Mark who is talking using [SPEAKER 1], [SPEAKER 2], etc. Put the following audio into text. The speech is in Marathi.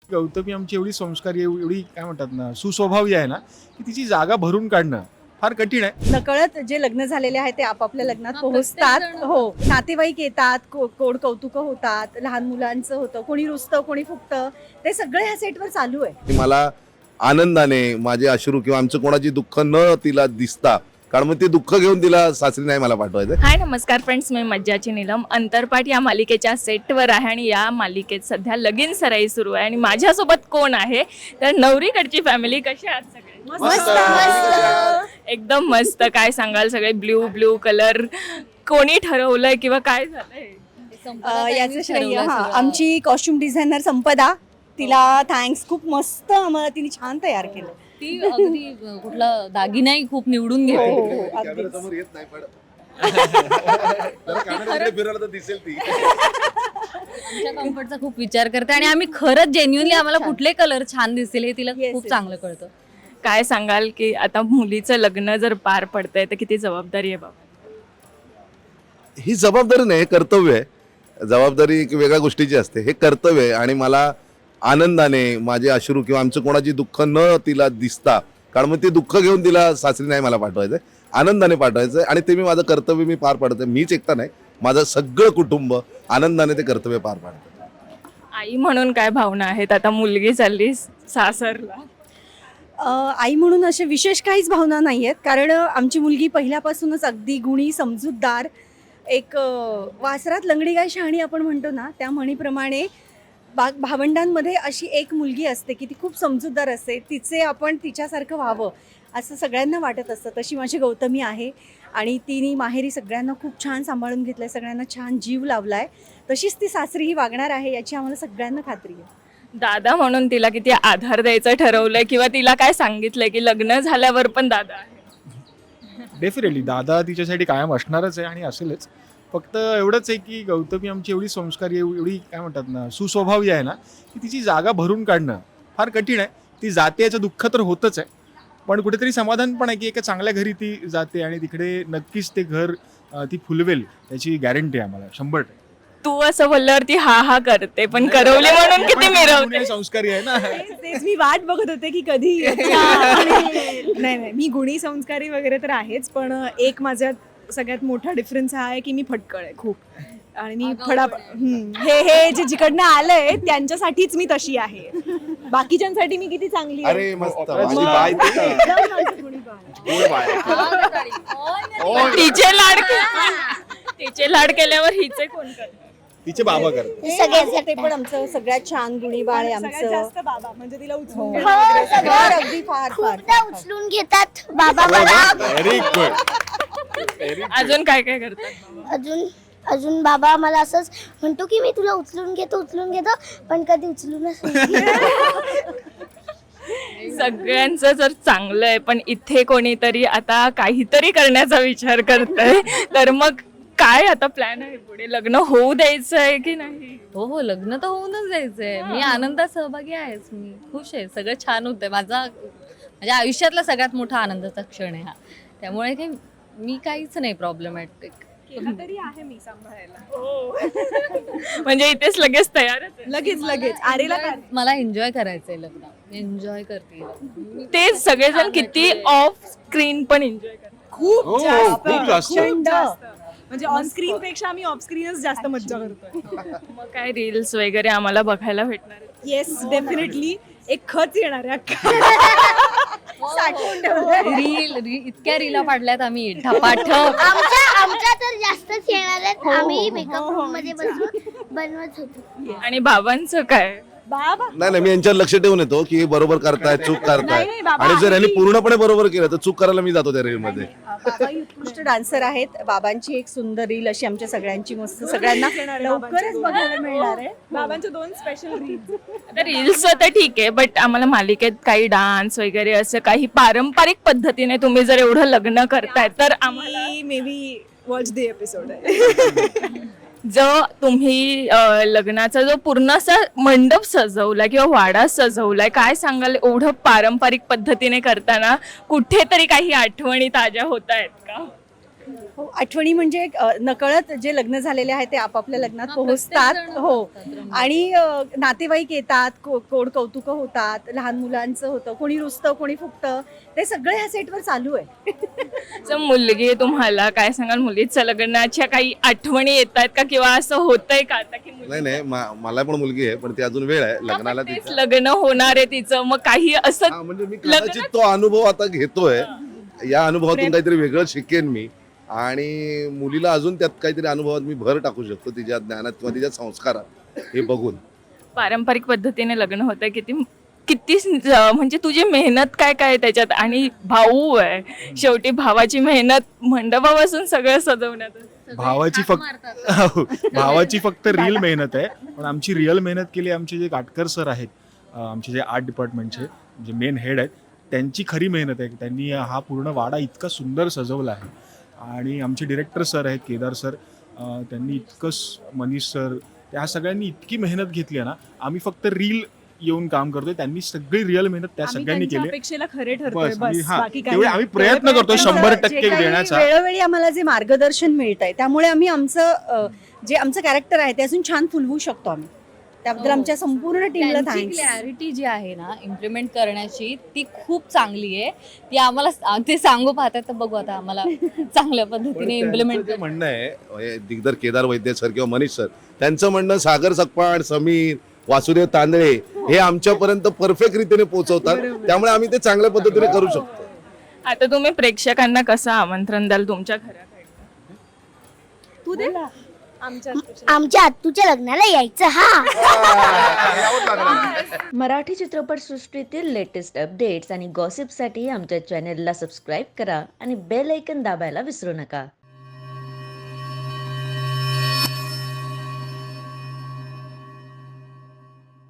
[SPEAKER 1] गौतमी आमची एवढी संस्कारी एवढी काय म्हणतात ना सुस्वभावी आहे ना की तिची जागा भरून काढणं फार कठीण आहे.
[SPEAKER 2] नकळत जे लग्न झालेले आहेत ते आपापल्या लग्नात पोहोचतात.
[SPEAKER 3] प्रत्येक जण.
[SPEAKER 2] हो, नातेवाईक येतात, कोड कौतुक होतात, लहान मुलांचं होतं, कोणी रुसतं कोणी फुकतं, ते सगळे ह्या सेटवर चालू आहे.
[SPEAKER 4] की मला आनंदाने माझे अश्रू किंवा आमचं कोणाची दुःख न तिला दिसता, कारण मग ते दुःख घेऊन तिला सासरी नाही मला पाठवायचं.
[SPEAKER 3] हाय नमस्कार फ्रेंड्स, मी मज्जाची नीलम अंतरपाठ या मालिकेच्या सेटवर आहे आणि या मालिकेत सध्या लगीन सराई सुरू आहे आणि माझ्यासोबत कोण आहे तर नवरीकडची फॅमिली. कशी आहात सगळे? एकदम मस्त. काय सांगाल, सगळे ब्ल्यू ब्ल्यू कलर कोणी ठरवलंय किंवा काय झालंय?
[SPEAKER 2] याचं श्रेय आमची कॉस्ट्युम डिझायनर संपदा, तिला थँक्स. खूप मस्त आम्हाला तिने छान तयार केलं.
[SPEAKER 5] ती अगदी कुठला दागिनाही खूप निवडून घेते.
[SPEAKER 4] कॅमेरासमोर येत नाही पण फिरायला तर दिसेल ती.
[SPEAKER 5] आमच्या कम्फर्टचा खूप विचार करते आणि आम्ही खरंच जेन्युअनली आम्हाला कुठले कलर छान दिसतील हे तिला
[SPEAKER 2] Yes,
[SPEAKER 5] खूप
[SPEAKER 2] yes.
[SPEAKER 5] चांगलं कळतं.
[SPEAKER 3] काय सांगाल की आता मुलीचं लग्न जर पार पडतंय तर किती जबाबदारी आहे बाबा?
[SPEAKER 4] ही जबाबदारी नाही, हे कर्तव्य आहे. जबाबदारी एक वेगळ्या गोष्टीची असते, हे कर्तव्य आहे. आणि मला आनंदाने माझे अश्रू किंवा आमचं कोणाची दुःख न तिला दिसता, कारण मग ते दुःख घेऊन तिला सासरी नाही मला पाठवायचं, आनंदाने पाठवायचं. आणि ते मी माझं कर्तव्य मी पार पाडते. मीच एकटा नाही, माझं सगळं कुटुंब आनंदाने ते कर्तव्य पार पाडतं.
[SPEAKER 3] आई म्हणून काय भावना आहेत? आता मुलगी चालली सासरला.
[SPEAKER 2] आई म्हणून असे विशेष काहीच भावना नाही आहेत, कारण आमची मुलगी पहिल्यापासूनच अगदी गुणी, समजूतदार, एक वासरात लंगडी गाय शहाणी आपण म्हणतो ना, त्या म्हणीप्रमाणे भावंडांमध्ये अशी एक मुलगी असते की ती खूप समजूतदार असते. तिचे आपण तिच्यासारखं व्हावं असं सगळ्यांना वाटत असतं. तशी माझी गौतमी आहे आणि तिने माहेरी सगळ्यांना खूप छान सांभाळून घेतलं आहे, सगळ्यांना छान जीव लावला आहे. तशीच ती सासरीही वागणार आहे याची आम्हाला सगळ्यांना खात्री आहे.
[SPEAKER 3] दादा म्हणून तिला किती आधार द्यायचं ठरवलंय किंवा तिला काय सांगितलंय की लग्न झाल्यावर पण दादा आहे?
[SPEAKER 1] डेफिनेटली दादा तिच्यासाठी कायम असणारच आहे आणि असेलच. फक्त एवढंच आहे की गौतमी आमची एवढी संस्कारी एवढी काय म्हणतात ना सुस्वभावी आहे ना की तिची जागा भरून काढणं फार कठीण आहे. ती जाते याचं दुःख तर होतच आहे, पण कुठेतरी समाधान पण आहे की एका चांगल्या घरी ती जाते आणि तिकडे नक्कीच ते घर ती फुलवेल याची गॅरंटी आहे आम्हाला 100%.
[SPEAKER 3] तू असं बोलल्यावरती हा हा करते, पण करवली म्हणून किती मिरवते.
[SPEAKER 1] पुणे संस्कारी आहे ना.
[SPEAKER 2] तेच मी वाट बघत होते की कधी नाही नाही, मी गुणी संस्कारी वगैरे तर आहेच, पण एक माझ्यात सगळ्यात मोठा डिफरन्स हा आहे की मी फटकळ आहे खूप. आणि मी हे जे जिकडनं आलंय त्यांच्यासाठीच मी तशी आहे. बाकीच्यांसाठी मी किती चांगली आहे.
[SPEAKER 4] अरे मस्त, माझी बाय ती.
[SPEAKER 3] तिचे लाड केल्यावर हिचे कोण करतात?
[SPEAKER 1] तिचे बाबा करतात.
[SPEAKER 2] ते पण आमचं सगळ्यात छान गुणी बाळ आहे आमचं. जास्त बाबा म्हणजे तिला उचलून अगदी फार फार
[SPEAKER 6] उचलून घेतात बाबा मला.
[SPEAKER 1] Very good.
[SPEAKER 3] अजून काय काय करतात?
[SPEAKER 6] अजून अजून बाबा मला असंच म्हणतो की मी तुला उचलून घेतो पण कधी उचलूनच नाही.
[SPEAKER 3] सगळ्यांचं जर चांगलं आहे, पण इथे कोणीतरी आता काहीतरी करण्याचा विचार करतंय, तर मग काय आता प्लॅन आहे पुढे? लग्न होऊ द्यायचं आहे की नाही?
[SPEAKER 5] हो हो, लग्न तर होऊनच जायचंय. मी आनंदात सहभागी आहेच. मी खुश आहे, सगळं छान होतंय. माझ्या आयुष्यातला सगळ्यात मोठा आनंदाचा क्षण आहे हा. त्यामुळे काही मी काहीच नाही प्रॉब्लेमॅटिक.
[SPEAKER 2] तरी आहे मी सांभाळायला.
[SPEAKER 3] म्हणजे इथेच लगेच तयारच आहे.
[SPEAKER 2] लगेच आरेला
[SPEAKER 5] मला एन्जॉय करायचंय लग्न. एन्जॉय करते.
[SPEAKER 3] ते सगळेजण किती ऑफ स्क्रीन पण एन्जॉय करतात.
[SPEAKER 2] खूप
[SPEAKER 1] हो,
[SPEAKER 2] जास्त
[SPEAKER 1] खूप जास्त.
[SPEAKER 2] प्रचंड. म्हणजे ऑन स्क्रीन पेक्षा आम्ही ऑफ स्क्रीनच जास्त मज्जा करतोय.
[SPEAKER 3] मग काय रील्स वगैरे आम्हाला बघायला भेटणार आहेत?
[SPEAKER 2] येस, डेफिनेटली एक खच येणार आहे.
[SPEAKER 5] रील इतक्या रीला पाडल्यात आम्ही ढपाठ.
[SPEAKER 6] आमच्या तर जास्तच येणार आहेत. आम्ही मेकअप रूम मध्ये बसून बनवत होतो.
[SPEAKER 3] आणि बाबांचं काय?
[SPEAKER 2] बाबा
[SPEAKER 4] नाही, मी यांच्यावर लक्ष ठेवून येतो की हे बरोबर करतायत, चूक करतायत.
[SPEAKER 2] नाही, बाबा
[SPEAKER 4] आणि जर यांनी
[SPEAKER 2] आम्ही-
[SPEAKER 4] पूर्णपणे बरोबर केलं तर चूक करायला मी जातो त्या रील मध्ये.
[SPEAKER 2] बाबा उत्कृष्ट डान्सर आहेत. बाबांची एक सुंदर रील अशी आमच्या सगळ्यांची मस्त सगळ्यांना लवकरच बघायला मिळणार आहे. बाबांचे 2 स्पेशल रील.
[SPEAKER 3] आता रील्स तर ठीक आहे, बट आम्हाला मालिकेत काही डान्स वगैरे असं काही पारंपरिक पद्धतीने तुम्ही जर एवढं लग्न करताय तर आम्हाला
[SPEAKER 2] maybe watch the episode.
[SPEAKER 3] जो तुम्ही लग्नाचा जो पूर्ण असा मंडप सजवलाय किंवा वाडा सजवलाय, काय सांगाल एवढं पारंपरिक पद्धतीने करताना कुठेतरी काही आठवणी ताज्या होत आहेत का?
[SPEAKER 2] हो, आठवणी म्हणजे नकळत जे लग्न झालेले आहेत ते आपापल्या लग्नात पोहोचतात. हो, आणि नातेवाईक येतात, कोड कौतुक होतात, लहान मुलांचं होतं, कोणी रुसतं कोणी फुगतं, ते सगळं ह्या सेटवर चालू आहे.
[SPEAKER 3] जर मुलगी आहे तुम्हाला काय सांगाल, मुलीच्या लग्नाच्या काही आठवणी येत आहेत का, किंवा असं होतंय का आता की
[SPEAKER 4] नाही नाही मला पण मुलगी आहे, पण ती अजून वेळ आहे लग्नाला
[SPEAKER 3] तेच
[SPEAKER 4] तिचं.
[SPEAKER 3] लग्न होणार आहे तिचं, मग काही असं
[SPEAKER 4] हा, म्हणजे मी कदाचित तो अनुभव आता घेतोय, या अनुभवातून काहीतरी वेगळं शिकेन मी, आणि मुलीला अजून त्यात काहीतरी अनुभवात मी भर टाकू शकतो, तिच्या ज्ञानात किंवा तिच्या संस्कारात, हे बघून.
[SPEAKER 3] पारंपरिक पद्धतीने लग्न होतं, किती किती म्हणजे तुझी मेहनत काय काय त्याच्यात, आणि भाऊ आहे शेवटी, भावाची मेहनत मंडपापासून सगळं सजवण्यात.
[SPEAKER 1] भावाची फक्त रील मेहनत आहे, पण आमची रिअल मेहनत केली आमचे जे काटकर सर आहेत, आमचे जे आर्ट डिपार्टमेंटचे जे मेन हेड आहेत, त्यांची खरी मेहनत आहे. त्यांनी हा पूर्ण वाडा इतका सुंदर सजवला आहे. आणि आमचे डिरेक्टर सर आहेत केदार सर, त्यांनी मनीष सर, त्या सगळ्यांनी इतकी मेहनत घेतली आहे ना. आम्ही फक्त रील येऊन काम करतोय, त्यांनी सगळी रिअल मेहनत त्या सगळ्यांनी केली.
[SPEAKER 2] अपेक्षेला खरे ठरतोय
[SPEAKER 1] बस,
[SPEAKER 2] बस,
[SPEAKER 1] हा,
[SPEAKER 2] बाकी काही
[SPEAKER 1] तेवढे
[SPEAKER 2] नाही.
[SPEAKER 1] आम्ही प्रयत्न करतोय
[SPEAKER 2] त्यांचं
[SPEAKER 1] 100%
[SPEAKER 2] जे काही
[SPEAKER 1] देण्याचा.
[SPEAKER 2] वेळोवेळी आम्हाला जे मार्गदर्शन मिळतंय त्यामुळे आम्ही आमचं जे आमचं कॅरेक्टर आहे ते अजून छान फुलवू शकतो आम्ही. त्याबद्दल आमच्या संपूर्ण टीमला थँक्स.
[SPEAKER 5] क्लॅरिटी जी आहे ना इम्प्लिमेंट करण्याची, ती खूप चांगली आहे. ती आम्हाला ते सांगू पाहतात, तर बघू आता आम्हाला चांगल्या
[SPEAKER 4] पण
[SPEAKER 5] पद्धतीने
[SPEAKER 4] त्यांचं
[SPEAKER 5] इम्प्लिमेंट
[SPEAKER 4] जे म्हणणं आहे, दिग्दर केदार वैद्य सर किंवा मनीष सर, त्यांचं म्हणणं सागर सकपाळ, समीर, वासुदेव तांदळे हे आमच्यापर्यंत परफेक्ट रीतीने पोहोचवतात, त्यामुळे आम्ही ते चांगल्या पद्धतीने करू शकतो.
[SPEAKER 3] आता तुम्ही प्रेक्षकांना कसं आमंत्रण द्याल तुमच्या घराकडे?
[SPEAKER 2] तू दे
[SPEAKER 6] आमच्या आत्तूच्या लग्नाला यायचं.
[SPEAKER 7] मराठी चित्रपटसृष्टीतील लेटेस्ट अपडेट्स आणि गॉसिपसाठी आमच्या चॅनेलला सबस्क्राईब करा आणि बेल ऐकन दाबायला विसरू नका.